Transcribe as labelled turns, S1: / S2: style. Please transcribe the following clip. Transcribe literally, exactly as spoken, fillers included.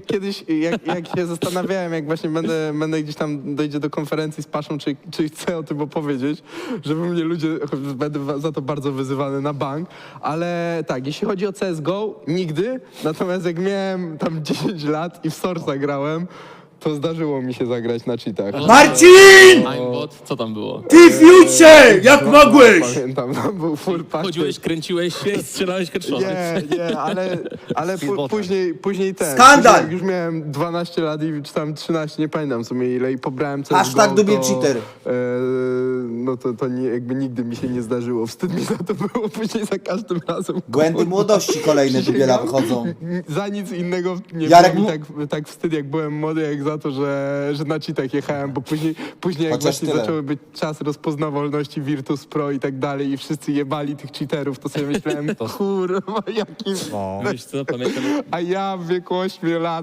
S1: kiedyś, jak, jak się zastanawiałem, jak właśnie będę, będę gdzieś tam dojdzie do konferencji z Paszą, czy, czy chcę o tym opowiedzieć, żeby mnie ludzie, będę za to bardzo wyzywany na bank, ale tak, jeśli chodzi o C S G O, nigdy, natomiast jak miałem tam dziesięć lat i w Source'a grałem, to zdarzyło mi się zagrać na cheatach.
S2: Marcin!
S3: Aimbot, co tam było?
S2: Ty Future! Jak mogłeś?
S1: Pamiętam, tam był full pakiet.
S3: Chodziłeś, kręciłeś się i strzelałeś headshoty.
S1: Nie, nie, ale, ale pu- później, później ten.
S2: Skandal!
S1: Później, jak już miałem dwanaście lat i czy tam trzynaście, nie pamiętam w sumie ile i pobrałem C S G O.
S2: Hashtag Dubiel
S1: to,
S2: cheater.
S1: E, no to, to nie, jakby nigdy mi się nie zdarzyło. Wstyd mi za to było później za każdym razem.
S2: Błędy młodości kolejne Dubiela wychodzą.
S1: Za nic innego nie
S2: Jarek
S1: było mi
S2: mu-
S1: tak, tak wstyd, jak byłem młody, jak za to, że, że na cheatach jechałem, bo później, później jak
S2: Chociaż
S1: właśnie
S2: tyle.
S1: zaczęły być czas rozpoznawalności Virtus Pro i tak dalej i wszyscy jebali tych cheaterów, to sobie myślałem, kurwa, jaki...
S3: Wiesz co, pamiętam,
S1: A ja w wieku ośmiu lat